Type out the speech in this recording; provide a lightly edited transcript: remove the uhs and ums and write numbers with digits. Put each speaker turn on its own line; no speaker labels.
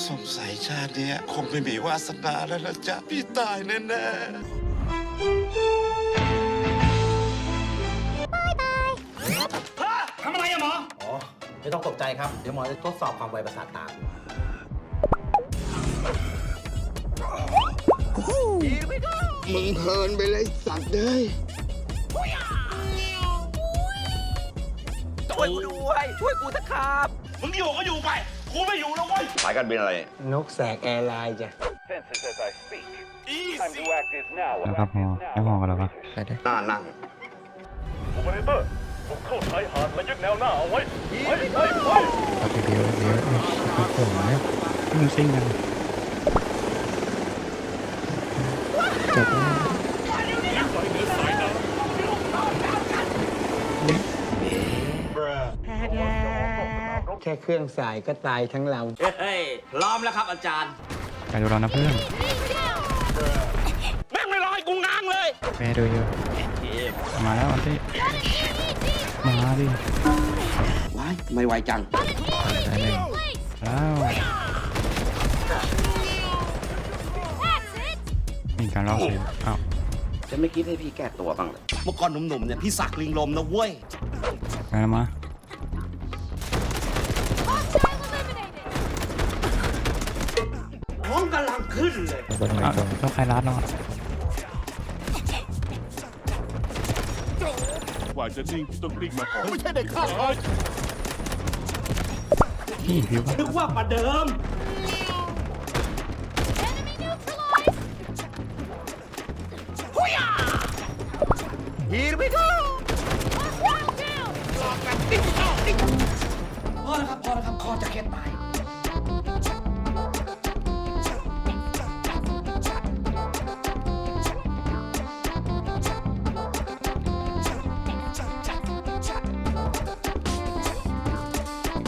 สงสัยชาติเนี้ยคงไม่มีวาสนาแล้วนะจ๊ะพี่ตายแน่
ทำอะไรอะหมอ
อ๋อ ไม่ต้องตกใจครับ เดี๋ยวหมอจะทดสอบความไวประสาทตา
มึงเพลินไปเลยสัตว์เลย
ช่วยกูด้วย ช่วยกูสักครับ
มึงอยู่ก็อยู่ไปกูไม่อยู่แล้วเว้ย
สายการบินอะไร
นกแสกแอร์ไลน์จ้ะ
นะครับหมอให้หมอกันแล้วปะไปได้
หน้านั่ง
โอเปอเรเตอร์ผมเข้าชายหาดและยึดแนวหน้าเอาไว้ไปไปไป
เอาไปเดียวเดียวเอาผมเนี่ยมึงซิ่งกันจบแล้ว
แค่เครื่องสายก็ตายทั้งเรา
เฮ้ยพร้อมแล้วครับอาจารย์
ไปดูเรานะเพื่อน
แม่งไม่รอให้กูง้างเลย
แม่ดูอยู่มาแล้วอันที่มาดิ
ว้ายไม่ไหวจัง
ได้เลยแล้วมีการล่อซื้ออ้าว
จะไม่คิดให้พี่แก้ตัวบ้างเลยเมื่อก่อนหนุ่มๆเนี่ยพี่สักลิงลมนะเว้ย
ไปแล้วมา
ท้องกำลังขึ้นเลย
อ้าวต้องใครรัดเนาะ
กว่าจะนิ่งต้องกลิ้งมาก่อน
ไม่ใช่เด็กข้าว
พี่ผิว
นึกว่าประเดิม
Here we go
พอแล้วครับคอจะแค่ตาย
เ